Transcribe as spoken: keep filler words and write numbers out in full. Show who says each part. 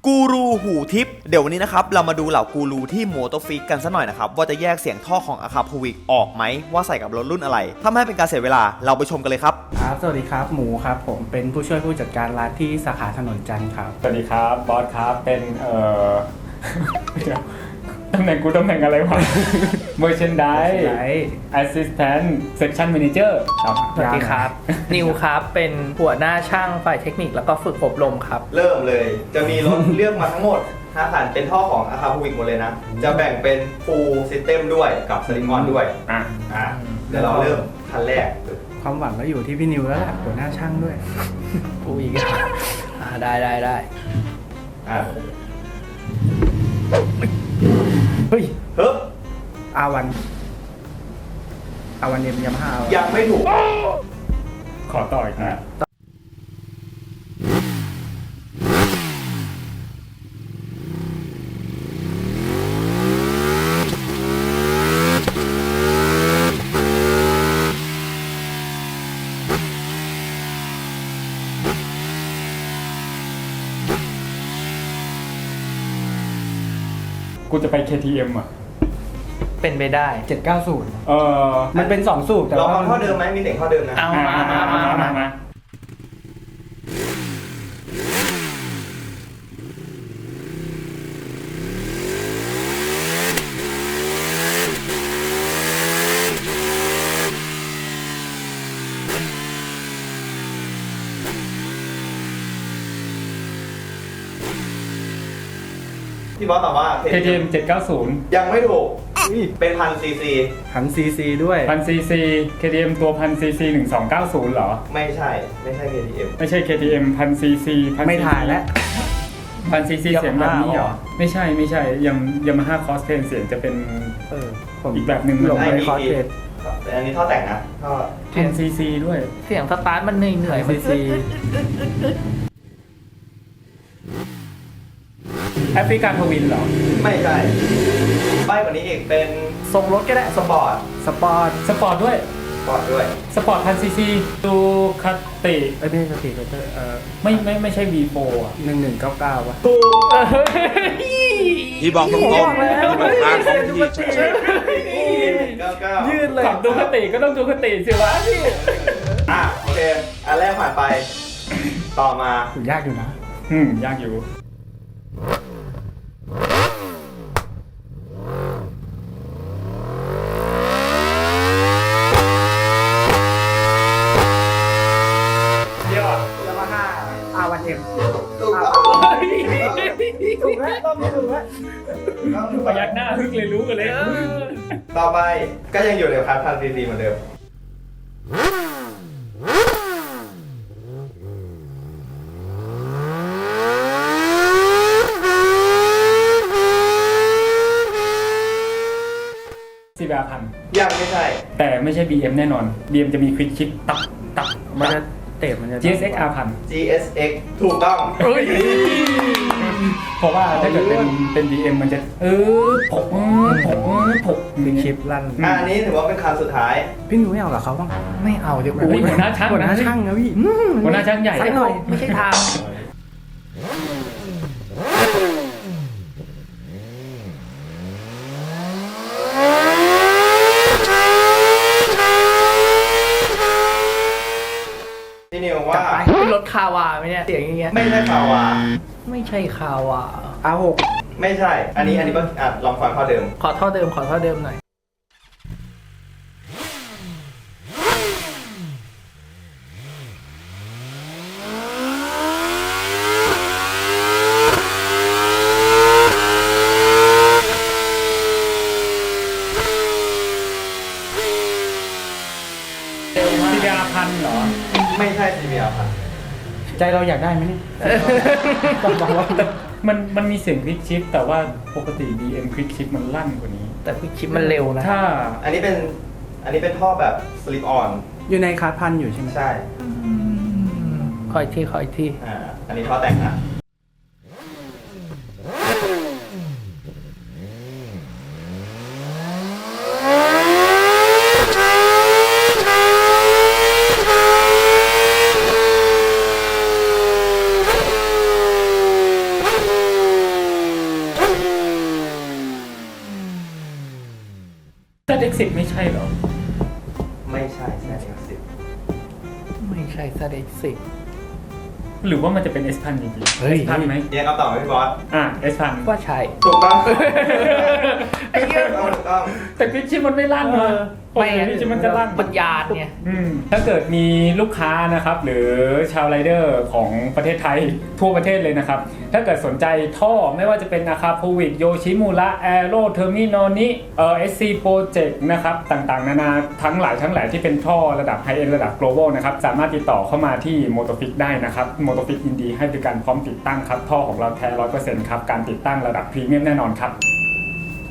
Speaker 1: กูรูหูทิพย์เดี๋ยววันนี้นะครับเรามาดูเหล่ากูรูที่โมโตฟิกกันซะหน่อยนะครับว่าจะแยกเสียงท่อของอาคาพวิกออกไหมว่าใส่กับรถรุ่นอะไรถ้าไม่ให้เป็นการเสียเวลาเราไปชมกันเลยครับ
Speaker 2: ครับสวัสดีครับหมูครับผมเป็นผู้ช่วยผู้จัดการร้านที่สาขาถนนจันทร์ครับ
Speaker 3: สวัสดีครับบอสครับเป็นเอ่อ ตำแหน่งกูตำแหน่งอะไรวะ Merchandise Assistant Section Manager ครับ
Speaker 4: สวัสดีครับ นิวครับเป็นหัวหน้าช่างฝ่ายเทคนิคแล้วก็ฝึกอบรมครับ
Speaker 1: เริ่มเลยจะมีรถ เลือกมาทั้งหมดห้าคันเป็นท่อของอาคาพวิกหมดเลยนะจะแบ่งเป็น Full System ด้วยกับ Slim On ด้วยอ่ะอ่ะเดี๋ยวเราเริ่มคันแรก
Speaker 2: ความหวังก็อยู่ที่พี่นิวแล้วแหละหัวหน้าช่างด้วย
Speaker 4: กูอีกอ่าได้ได้ได้
Speaker 1: อ่ะ
Speaker 2: เฮ้ย
Speaker 1: เฮ้ย
Speaker 2: อาวันอาวันเอ็มยามาฮ่า
Speaker 1: ยังไม่ถูก
Speaker 3: ขอต่ออีกนะกูจะไป เค ที เอ็ม อ่ะ
Speaker 4: เป็นไปได้
Speaker 2: เจ็ดเก้าศูนย์
Speaker 3: เออ
Speaker 2: มันเป็นสองสูบแต่
Speaker 1: ว่า
Speaker 2: เรา
Speaker 1: เอาเท่าเดิมไหมมีเสียงเท่าเดิมนะ
Speaker 4: เอามามามามามา
Speaker 1: พี่บอสตอบว่า
Speaker 3: เค ที เอ็ม เจ็ดเก้าศูนย์
Speaker 1: ยังไม่ถูกเป็นพันซีซี
Speaker 2: พันซีซีด้วย
Speaker 3: พันซีซี เค ที เอ็ม ตัวพันซีซีหนึ่งสองเก้าศูนย์เหรอ
Speaker 1: ไม่ใช่ไม่ใช่ เค ที เอ็ม
Speaker 3: ไม่ใช่ เค ที เอ็ม พันซีซี
Speaker 2: ไม่ถ่ายแล้ว
Speaker 3: พันซีซีเสียงแบบนี้เหรอไม่ใช่ไม่ใช่ยังยามาฮ่าคอสเพนเสียงจะเป็น
Speaker 2: เออ
Speaker 3: อีกแบบหนึ่ง
Speaker 2: หลงไปคอสเพน
Speaker 1: อันนี้ท่อแต่งนะท่อ
Speaker 3: พันซีซีด้วย
Speaker 4: เสียงสตาร์ทมันเหนื่อยเหนื่อย
Speaker 2: ซีซี
Speaker 3: แอฟริกันทวินเหรอ
Speaker 1: ไม่ใช่ใบกว่านี้อีกเป็น
Speaker 4: ทรงรถก็ได้
Speaker 1: สปอร์ต
Speaker 2: สปอร์ต
Speaker 3: สปอร์ตด้วย
Speaker 1: สปอร์ตด้วย
Speaker 3: สปอร์ตพันซีซีดูคาติ
Speaker 2: ไอ้ไม่ใช่คาติเออ
Speaker 3: ไม่ไม่ไม่ใช่ วี โฟร์ อ่ะ
Speaker 2: หนึ่งหนึ่งเก้าเก้าวะ
Speaker 1: ที่บอกตรงๆที่บอกทางของที่
Speaker 3: ยืดเลยดูคติก็ต้องดูคติสิวะพี่
Speaker 1: อ่ะโอเคอันแรกผ่านไปต่อมา
Speaker 2: ถูกยากอยู่นะ
Speaker 3: อืมยากอยู่
Speaker 2: อาวันเอ็ม
Speaker 1: ถูกแล้ว
Speaker 2: ถูกแล้วต้องถูกแล้ว
Speaker 3: พยักหน้าฮึกเลยรู้กันเลย
Speaker 1: ต่อไปก็ยังอยู่ในคันพันซีซีเหมือนเดิม
Speaker 3: ซีบาพัน
Speaker 1: ยังไม่ใช่
Speaker 3: แต่ไม่ใช่ บี เอ็ม แน่นอน บี เอ็ม จะมีควิกชิปตับตับ
Speaker 2: มันจะเตะมันจะ
Speaker 3: จี เอส เอ็กซ์ อาร์ พัน
Speaker 1: จี เอส เอ็กซ์ ถูกต้อง
Speaker 3: เพราะว่าถ้าเกิดเป็นเป็น บี เอ็ม มันจะเออผกผกผก
Speaker 2: มีคลิปลั่น
Speaker 1: อันนี้ถือว่าเป็นคันสุดท้าย
Speaker 2: พี่หนูไม่เอากับเขาบ้าง
Speaker 4: ไม่เอาเดี๋ยวกู
Speaker 3: หัวหน้าช่าง
Speaker 2: หัวหน้าช่างนะพี่
Speaker 3: หัวหน้าช่างใหญ่
Speaker 4: ใส่หน่อยไม่ใช่ทาง
Speaker 1: นี่นิวว่า
Speaker 4: เป็นรถคาวาไหมเนี่ยเสียงอย่างเงี้ย
Speaker 1: ไม่ใช่คาวา
Speaker 4: ไม่ใช่คาวา
Speaker 2: อาร์ หก
Speaker 1: ไม่ใช่อันนี้อันนี้ก็อ่ะลองฟังท่อเดิม
Speaker 4: ขอท่อเดิมขอท่อเดิมหน่อย
Speaker 3: ซีบาพันเหรอ
Speaker 1: ไม่ใช่ซีบีอาร์พัน
Speaker 2: ใจเราอยากได้ไหมเนี่ย
Speaker 3: ต้องบอกว่ามันมันมีเสียงคลิกชิปแต่ว่าปกติ บี เอ็ม คลิกชิปมันลั่นกว่านี้
Speaker 4: แต่คลิกชิปมันเร็วนะ
Speaker 3: ถ้า
Speaker 1: อันนี้เป็นอันนี้เป็นท่อแบบสลิปออน
Speaker 2: อยู่ในคาร์พันอยู่ใช่ไหม
Speaker 1: ใช่
Speaker 4: คอยที่คอยที่
Speaker 1: อ่าอันนี้ท่อแต่งนะ
Speaker 3: เเอ็กซ์ สิบไม่ใช่เหรอ
Speaker 1: ไม่ใช่แซดเอ็กซ์สิบ
Speaker 4: ไม่ใช่ซาเด็กสิบ
Speaker 3: หรือว่ามันจะเป็น S พันจริงๆ
Speaker 2: เฮ้ย
Speaker 3: S พันไหม
Speaker 1: เนี่ยคำตอบไหมพี่บอส
Speaker 3: อ่ะ S พัน
Speaker 4: ว่าใช่
Speaker 1: ถูกต้องไอ้เหี้ยถูกต้อง
Speaker 3: แต่คลิกชิปมันไม่ลั่นนะ
Speaker 4: ไม่งั้น
Speaker 3: คลิกชิปมันจะลั่น
Speaker 4: ปัญญาเนี่ย
Speaker 3: อืมถ้าเกิดมีลูกค้านะครับหรือชาวไรเดอร์ของประเทศไทยทั่วประเทศเลยนะครับถ้าเกิดสนใจท่อไม่ว่าจะเป็นอาคาโพวิกโยชิมูระแอโรเทอร์มินอนิเอ่อ เอส ซี Project นะครับต่างๆ นานาทั้งหลายทั้งแหล่ที่เป็นท่อระดับไฮเอ็นระดับ global นะครับสามารถติดต่อเข้ามาที่ Motofix ได้นะครับ Motofix ยินดีให้บริการพร้อมติดตั้งครับท่อของเราแท้ ร้อยเปอร์เซ็นต์ ครับการติดตั้งระดับพรีเมียมแน่นอนครับ